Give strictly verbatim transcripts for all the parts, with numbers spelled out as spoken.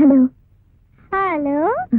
Hello hello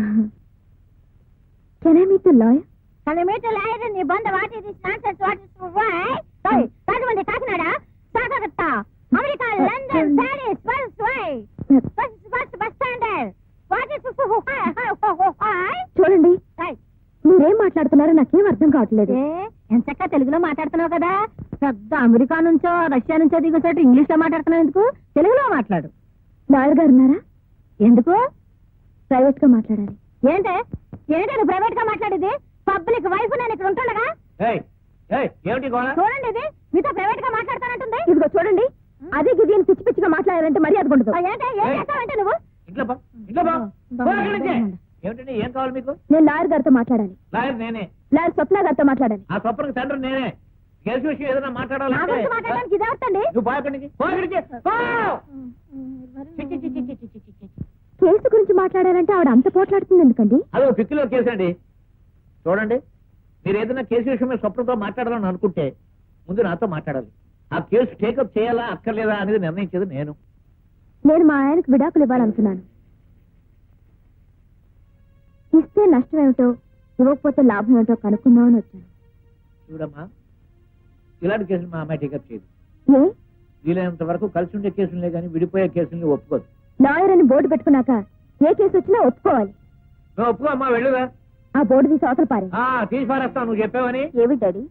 can I meet the lawyer? Can I meet a lawyer in the bond of what is this nonsense? What is the way? Sorry, Rajamandi, Kakinada, Sakagata, America, London, Paris, what's way? What's what's bus standard? What is the why? చూడండి, మీరేం మాట్లాడుతున్నారో నాకేం అర్థం కావట్లేదు. ఎంచక్క తెలుగులో మాట్లాడుతున్నావు కదా, పెద్ద అమెరికా నుంచో రష్యా నుంచో దిగొచ్చాడు ఇంగ్లీష్ లో మాట్లాడుతున్నావు ఎందుకు? తెలుగులో మాట్లాడు. లాయర్ గారు ఉన్నారా? ఎందుకు? ప్రైవేట్ గా మాట్లాడాలి. ఏంటే ఏంటే నువ్వు ప్రైవేట్ గా మాట్లాడేది? పబ్లిక్ వైఫ్ నేను ఇక్కడ ఉంటుండగా చూడండి, ఇది మీతో ప్రైవేట్ గా మాట్లాడతానంటుంది. ఇదిగో చూడండి, అదే గిది అని పిచ్చి పిచ్చిగా మాట్లాడాలంటే మర్యాద ఉండదు. ఏంటే ఏం చేస్తావంటే నువ్వు? ఏం కావాలి మీకు? నేను లాయర్ గారితో మాట్లాడాలి. లాయర్ నేనే. లాయర్ స్వప్న గారితో మాట్లాడాలి. ఆ స్వప్నకి తండ్రి నేనే. కేసు విషయం ఏదైనా నా మాట్లాడాలంటే గురించి మాట్లాడడానికి ఇదే వస్తండి. నువ్వు బాగుండి కేసు గురించి మాట్లాడాలంటే ఆవిడ అంత పోట్లాడుతుంది ఎందుకండి? అదో పిక్కిలో కేసు అండి. చూడండి, మీరు ఏదైనా కేసు విషయం మీద స్వప్నంతో మాట్లాడాలని అనుకుంటే ముందు నాతో మాట్లాడాలి. ఆ కేసు టేకప్ చేయాలా అక్కర్లేదా అనేది నిర్ణయించేది నేను. నేను మా ఆయనకు విడాకులు ఇవ్వాలనుకున్నాను. ఇస్తే నష్టం ఏమిటో, ఇవ్వకపోతే లాభం ఏమిటో కనుక్కుందామని వచ్చాను. చూడమ్మా, ఇలాంటి కేసులు మా అమ్మాయి టేకప్ చేయదు. ఏ? వీలైనంత వరకు కలిసి ఉండే కేసులే కానీ విడిపోయే కేసుల్ని ఒప్పుకోదు. లాయర్ అని బోర్డు పెట్టుకున్నాక ఏ కేసు వచ్చినా ఒప్పుకోవాలి. నువ్వు ఒప్పుకో అమ్మా, వెళ్ళుదా. ఆ బోర్డు తీసి అవతల పారే. తీసి పారేస్తావు నువ్వు చెప్పావని. ఏమి డాడీ?